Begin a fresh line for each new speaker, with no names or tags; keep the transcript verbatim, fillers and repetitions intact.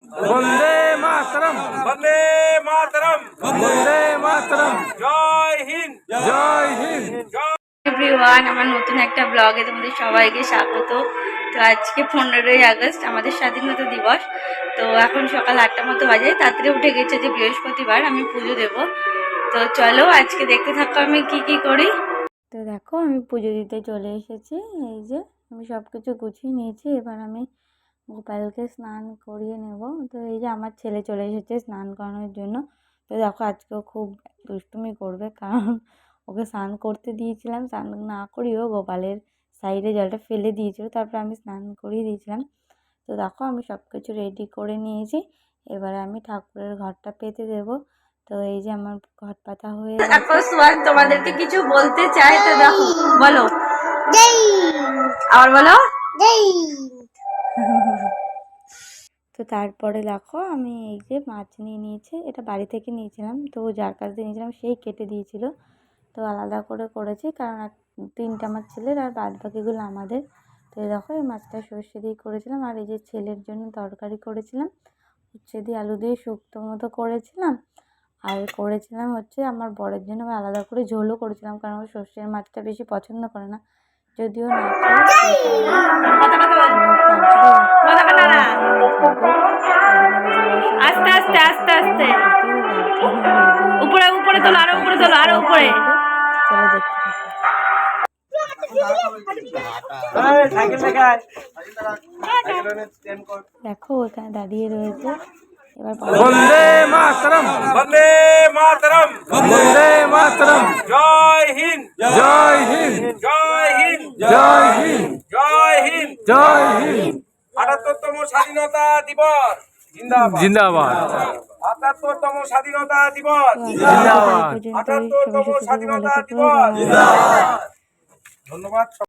বন্দে মাতরম,
বন্দে মাতরম,
বন্দে মাতরম,
জয় হিন্দ,
জয় হিন্দ।
এভরিওয়ান, আমার নতুন একটা ব্লগে তোমাদের সবাইকে স্বাগত। তো আজকে পনেরোই আগস্ট আমাদের স্বাধীনতা দিবস। তো এখন সকাল আটটা মতো বাজে, তাড়াতাড়ি উঠে গেছে যে বৃহস্পতিবার আমি পুজো দেব। তো চলো আজকে দেখতে থাকো আমি কি কি করি। তো দেখো আমি পুজো দিতে চলে এসেছি। এই যে আমি সব কিছু গুছিয়ে নিয়েছি, এবার আমি গোপালকে স্নান করিয়ে নেব। তো এই যে আমার ছেলে চলে এসেছে স্নান করানোর জন্য। তো দেখো আজকেও খুব দুষ্টুমি করবে, কারণ ওকে স্নান করতে দিয়েছিলাম, স্নান না করিয়েও গোপালের সাইডে জলটা ফেলে দিয়েছিল, তারপরে আমি স্নান করিয়ে দিয়েছিলাম। তো দেখো আমি সব কিছু রেডি করে নিয়েছি, এবারে আমি ঠাকুরের ঘরটা পেতে দেব। তো এই যে আমার ঘর পাতা হয়ে গেছে। সোয়ান তোমাদেরকে কিছু বলতে চাই, তো দেখো বলো, আবার বলো। তো তারপরে দেখো আমি এই যে মাছ নিয়ে নিয়েছি, এটা বাড়ি থেকে নিয়েছিলাম, তো যার কাছ দিয়ে নিয়েছিলাম সেই কেটে দিয়েছিল। তো আলাদা করে করেছি, কারণ তিনটা আমার ছেলের আর বাদ বাকিগুলো আমাদের। তো দেখো এই মাছটা সর্ষে দিয়ে করেছিলাম, আর এই যে ছেলের জন্য তরকারি করেছিলাম উচ্ছে দিয়ে আলু দিয়ে শুক্তো মতো করেছিলাম। আর করেছিলাম হচ্ছে আমার বরের জন্য আলাদা করে ঝোলও করেছিলাম, কারণ ও সর্ষের মাছটা বেশি পছন্দ করে না, যদিও না আস্তে আস্তে আস্তে আস্তে উপরে উপরে তোলো, আরো উপরে তোলো, আরো উপরে। চলো দেখতে দেখো ওখানে দাঁড়িয়ে রয়েছে। এবার
বন্দে মাতরম,
বন্দে মাতরম,
বন্দে মাতরম,
জয় হিন্দ,
জয় হিন্দ,
জয় হিন্দ,
জয় হিন্দ,
জয় হিন্দ।
জয় হিন্দ।
আটাত্তরতম স্বাধীনতা দিবস জিন্দাবাদ,
জিন্দাবাদ,
আটাত্তরতম স্বাধীনতা দিবস
জিন্দাবাদ,
আটাত্তরতম স্বাধীনতা দিবস। ধন্যবাদ।